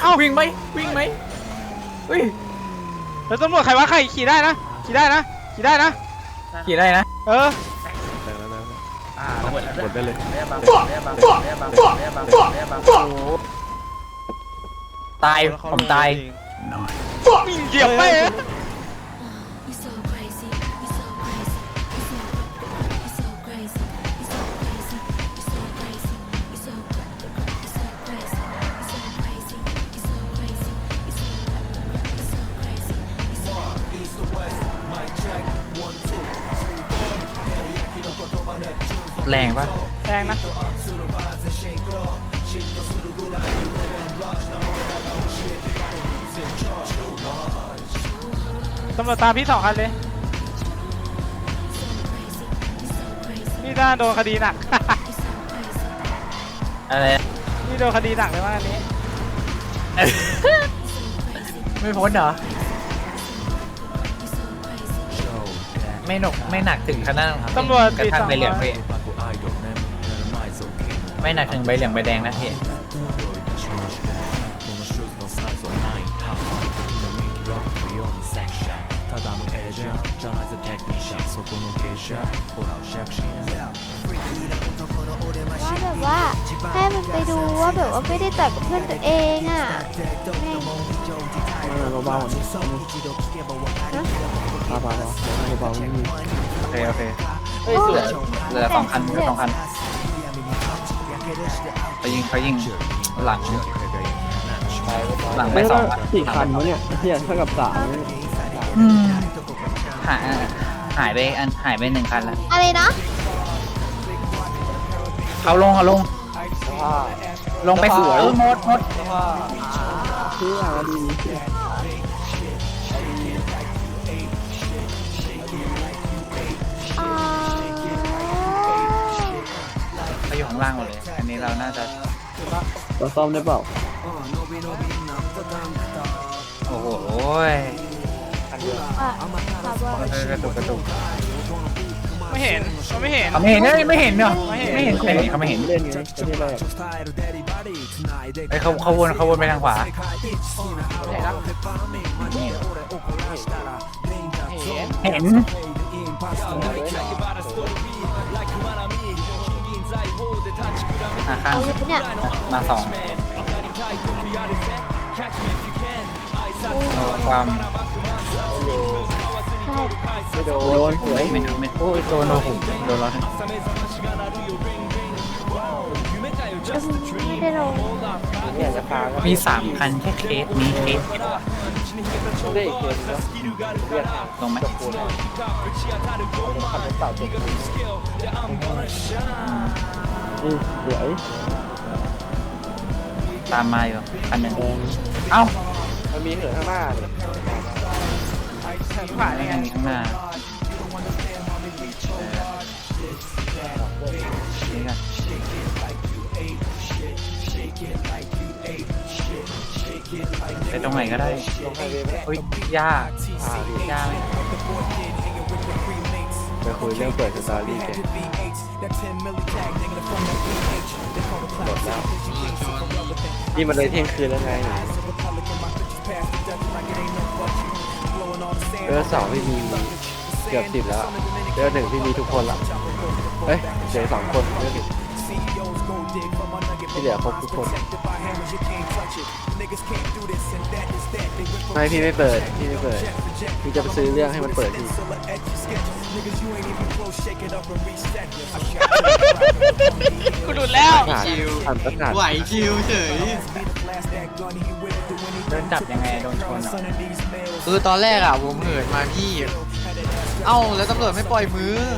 วิ่งไหมวิ่งไหมเฮ้ยแล้วตำรวจใครวะใครขี่ได้นะขี่ได้นะขี่ได้นะขี่ได้นะเออหมดได้เลยตายผมตายเหยียบไปแรงปะแรงนะตำรวจตามพี่2 คันเลยนี่น่าโดนคดีหนักอะไรนี่โดนคดีหนักเลยว่าอันนี้ไม่พ้นเหรอไม่หนกไม่หนักถึงขนาดตำรวจกระทั่งใบเหลือง 4-2 พี่ไม่หนักถึงใบเหลืองใบแดงนะพี่ว่าแบบว่าให้มันไปดูว่าแบบว่าไม่ได้ต่อยกับเพื่อนตัวเองอ่ะเบาๆนี่เบาๆเบาๆไม่มีโอเคโอเคเฮ้ยเหลือ2 คัน2 คันเขายิงหลังไป2 คัน 4 คันวะเนี่ยเทียบเท่ากับ3เนี่ยหายไป1 คันแล้วอะไรนะเขาลงลงไปสวยหมดเที่ยดีอ่าเขาอยู่ข้างล่างหมดเลยอันนี้เราน่าจะเราซ่อมได้เปล่าโอ้โหขับว่ากระตุกไม่เห็นเขาไม่เห็นเขาไม่เห็นไม่เห็นเนาะไม่เห็นเขาไม่เห็นเล่นไงประเทศแรกไอ้เขาวนไปทางขวาเห็นแล้วเห็นเห็น ข้างเอาเลยเนี่ยมา2ความใช่โดนสวยไม่โอ้ยโดนเราผมโดนเราไม่ได้ลงเนี่ยจะพาก็มี3 คันแค่เคสนี้เคสได้อีกเกมแล้วเรียกลงไหมจบปูนขับรถเต่าจบปูนสวยตามมาอยู่คันหนึ่งแดงเอ้ามันมีเหนือข้างหน้าเลยผ่านนี่ยังไงไงข้างหน้านี่กันไปตรงไหนก็ได้ลงไฮเวย์ไหมอุ้ยยากยากไปคุยเรื่องเปิดสตอรี่แกหมดแล้วนี่มันเลยเที่ยงคืนแล้วไง2พี่มีเกือบ10แล้ว1พี่มีทุกคนละเอ้ยเดี๋ยว2 คนที่เหลือครบทุกคนไม่พี่ไม่เปิดพี่จะไปซื้อเรื่องให้มันเปิดพี่กูหลุดแล้วผ่านประกาศไหวชิวเฉยโดนจับยังไงโดนชนเหรอคือตอนแรกอ่ะผมเหินมาพี่ เอ้าแล้วตำรวจไม่ปล่อยมือ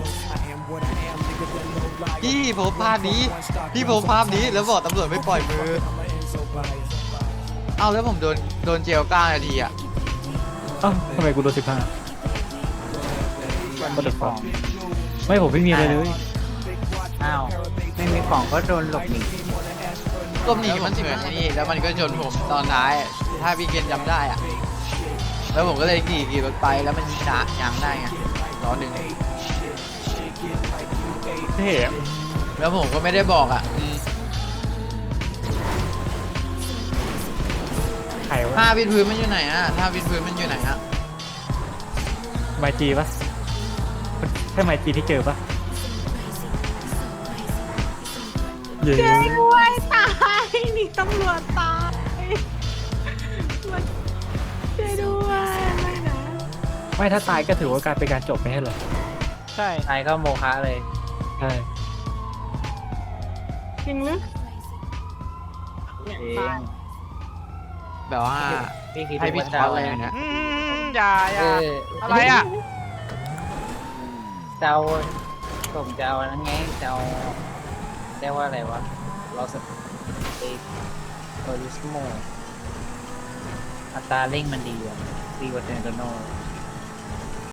พี่ผมภาพนี้แล้วบอกตำรวจไม่ปล่อยมือ เอ้าแล้วผมโดนเจล9 นาทีอ่ะเอ้าทำไมกูโดน15ก็เดือดฟ้องไม่ผมไม่มีอะไรเลยอ้าวไม่มีของก็โดนหลบหนีรอบนี้มันเหมือนนี่แล้วมันก็ชนผมตอนท้าย ถ้าพี่เกณฑ์จำได้อ่ะ แล้วผมก็เลยขี่รถไปแล้วมันยังได้ไงล้อหนึ่งเท่แล้วผมก็ไม่ได้บอกอ่ะใครวะท่าวิดพื้นมันอยู่ไหนอะท่าวิดพื้นมันอยู่ไหนอะไมจีปะใช่ไมจีที่เจอปะเย้ด้วยตายนี่ตำรวจตายมันช่วยด้วยไม่นะไม่ถ้าตายก็ถือว่าการเป็นการจบไม่ใช่เหรอใช่ตายก็โมฆะเลยใช่จริงหรือแบบว่าให้พี่ช็อตอะไรอย่างเงี้ยอย่าอะไรอ่ะเจ้าผมจะเอานั่นไงจะเอาเรียกว่าอะไรวะเราสเตโอริสโมอัตราเร่งมันดีกว่าเซนโตโน